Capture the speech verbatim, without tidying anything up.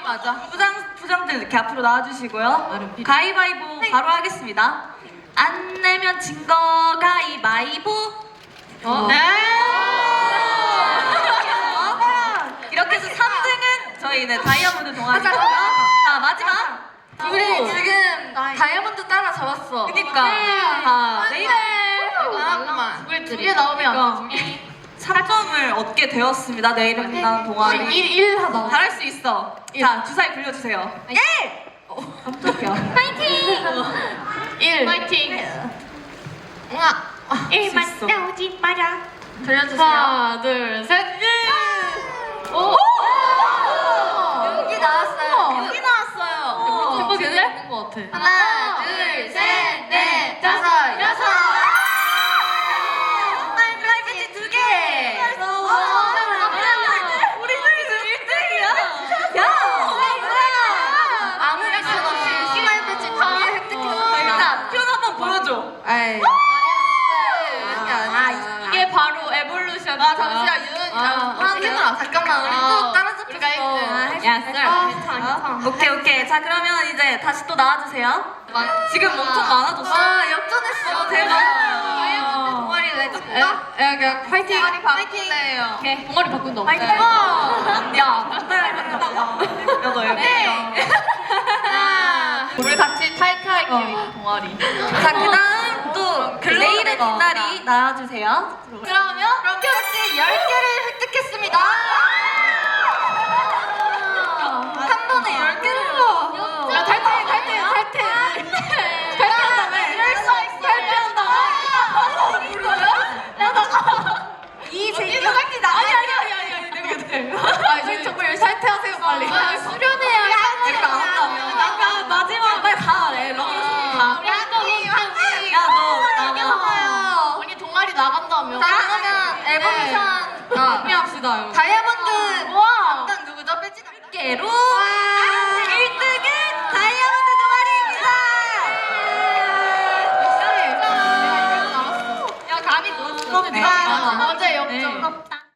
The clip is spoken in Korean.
맞아. 부장, 부장들 이렇게 앞으로 나와주시고요. 가위바위보 바로 하겠습니다. 안 내면 진 거 가위바위보. 어. 네. 이렇게 해서 삼 등은 저희는 다이아몬드 동아리고요. 자, 마지막. 우리 지금 다이아몬드 따라 잡았어. 그니까. 자, 내일 잠깐만. 우리 두 개 나오면 삼 점을 얻게 되었습니다. 내일은 빛나는 동아리. 일 하다. 잘할 수 있어. 자, 주사위 불려주세요. 일! 깜짝이야. 일. 파이팅. 우와. 일만 나오지 마라. 들려주세요. 하나, 둘, 셋. 오. 여기 나왔어요. 여기 나왔어요. 대박인데? 있는 것 같아. 하나, 둘, 셋, 넷, 다섯, 여섯. 정말 플라이팬티 두 개. 우리 둘이 지금 일 등이야. 야! 아무 액션 없이 플라이팬티 두 개 획득했습니다. 일단 표현 한번 보여줘. 에이. 아, 이게 바로 에볼루션. 아, 잠시만, 유은이랑 하는구나. 잠깐만, 우리 또 따라잡혔어. 야, 썰. 오케이, 오케이. 자, 그러면 이제 다시 또 나와주세요. 지금 엄청 많아졌어. 와, 역전했어. 대박. 동아리 왜 바꿀까? 야, 파이팅. 동아리 바꿀래요. 오케이. 동아리 바꾼다. 파이팅. 야, 야, 너 네. 우리 같이 탈퇴할게요, 동아리. 자, 그 다음 또 내일의 빛날이 나와주세요. 그러면 격지 열 개를 획득했습니다. 한 번에 열 개를. 야, 탈퇴, 탈퇴, 탈퇴. 탈퇴한다며. 이럴 수 있어. 탈퇴한다고. 야, 나가. 이 제이가 탈퇴 나. 아니, 아니, 아니, 아니, 아니, 내가 돼. 아, 저희 정말 탈퇴하세요, 빨리. 수련해야 그러니까 안 한다며. 약간 마지막 빨리 가. 래 가. 우리 한동이 한지. 야, 너 나가. 언니 동아리 나간다며. 자, 그러면 에볼루션. 아, 합시다. 다이아몬드. 와. 누구죠? 빼지. 깨로